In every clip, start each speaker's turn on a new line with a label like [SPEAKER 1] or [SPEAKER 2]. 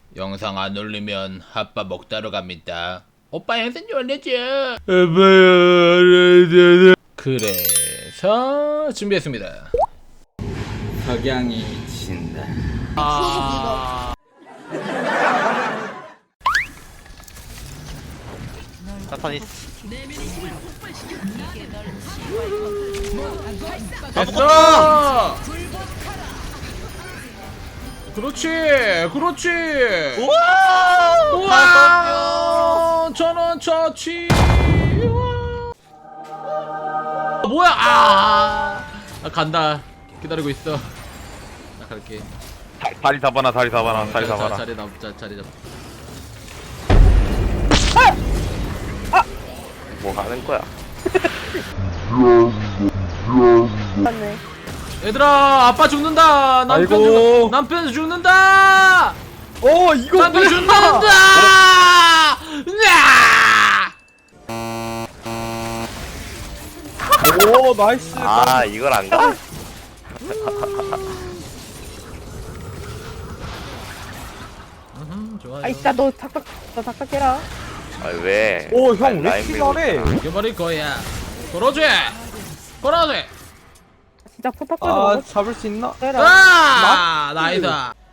[SPEAKER 1] 영상 안 올리면 아빠 먹다로 갑니다. 오빠 영상 좀 올려줘. 그래서 준비했습니다.
[SPEAKER 2] 석양이 진다.
[SPEAKER 3] 나타니스.
[SPEAKER 1] 됐어. 그렇지, 그렇지.
[SPEAKER 3] 우와!
[SPEAKER 1] 우와! 전원 처치. 뭐야? 나 간다. 기다리고 있어. 나 갈게.
[SPEAKER 3] 다리 잡아놔, 다리 잡아놔, 다리 잡아놔.
[SPEAKER 1] 자리 잡자, 자리 잡.
[SPEAKER 3] 뭐 하는 거야?
[SPEAKER 4] 맞네.
[SPEAKER 1] 얘들아, 아빠 죽는다.
[SPEAKER 2] 아이고.
[SPEAKER 1] 남편 죽는다.
[SPEAKER 2] 이거
[SPEAKER 1] 남편 죽는다.
[SPEAKER 2] 오 나이스.
[SPEAKER 3] 아, 이걸 안 가?
[SPEAKER 1] 좋아요.
[SPEAKER 4] 아, 진짜 너 닭닭 해라.
[SPEAKER 3] 아, 왜?
[SPEAKER 2] 오, 형,
[SPEAKER 3] 아니,
[SPEAKER 2] 왜
[SPEAKER 3] 라인 밀고
[SPEAKER 2] 킬러래?
[SPEAKER 3] 있잖아.
[SPEAKER 1] 이겨버릴 거야. 그러지, 그러지.
[SPEAKER 4] 진짜 포탑
[SPEAKER 2] 아
[SPEAKER 4] 걸고
[SPEAKER 2] 잡을 수 있나?
[SPEAKER 4] 해라.
[SPEAKER 1] 나이스.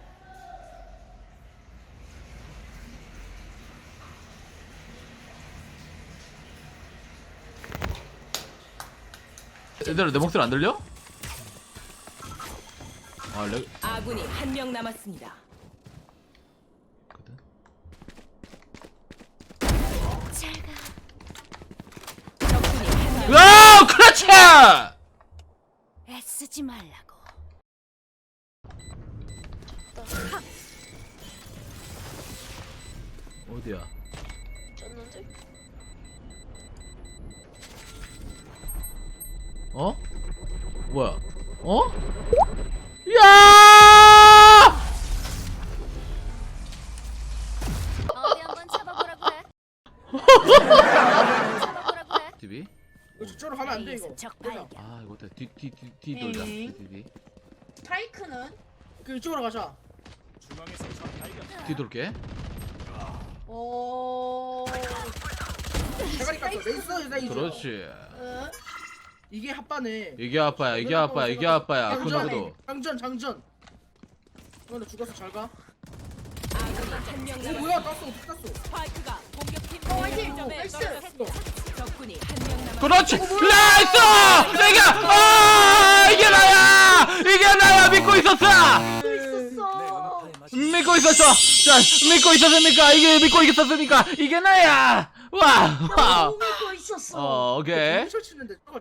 [SPEAKER 1] 얘들아, 내 목소리 안 들려?
[SPEAKER 5] 아군이 한 명 남았습니다. 적군이 한 명.
[SPEAKER 1] 와, 그렇지.
[SPEAKER 5] 애쓰지 말라고.
[SPEAKER 1] 어디야? 어? 뭐야? 어? 야!
[SPEAKER 5] 어디 한번 잡아보라고 해. 잡아보라고 해.
[SPEAKER 1] TV?
[SPEAKER 6] 저쪽으로 가면 안 돼 이거.
[SPEAKER 5] 적 발견.
[SPEAKER 1] 아, 이거 뒤 돌자. 뒤.
[SPEAKER 6] 파이크는 그 이쪽으로 가자.
[SPEAKER 1] 뒤 돌게.
[SPEAKER 6] 대가리 깎여. 레이스 레이스.
[SPEAKER 1] 그렇지.
[SPEAKER 6] 이게 핫바네.
[SPEAKER 1] 이게 아빠야. 이게 아빠야. 이게 아빠야. 그나그도.
[SPEAKER 6] 장전. 너 죽었어 잘 가.
[SPEAKER 5] 아군이 한 명 남았습니다.
[SPEAKER 6] 뭐야 땄어 어떻게 땄어?
[SPEAKER 5] 스파이크가 공격팀
[SPEAKER 6] 화이팅!
[SPEAKER 5] 점에
[SPEAKER 6] 나이스!
[SPEAKER 5] 떨어졌습니다. 적군이 한 명 남았습니다.
[SPEAKER 1] 그렇지. 나이스! 이게 나야! 이게 나야! 믿고 있었어! 믿고 있었어! 자, 믿고 있었습니까? 이게 믿고 있었습니까? 이게 나야! 와!
[SPEAKER 6] 믿고 있었어.
[SPEAKER 1] 오케이.
[SPEAKER 6] 설 치는데 저거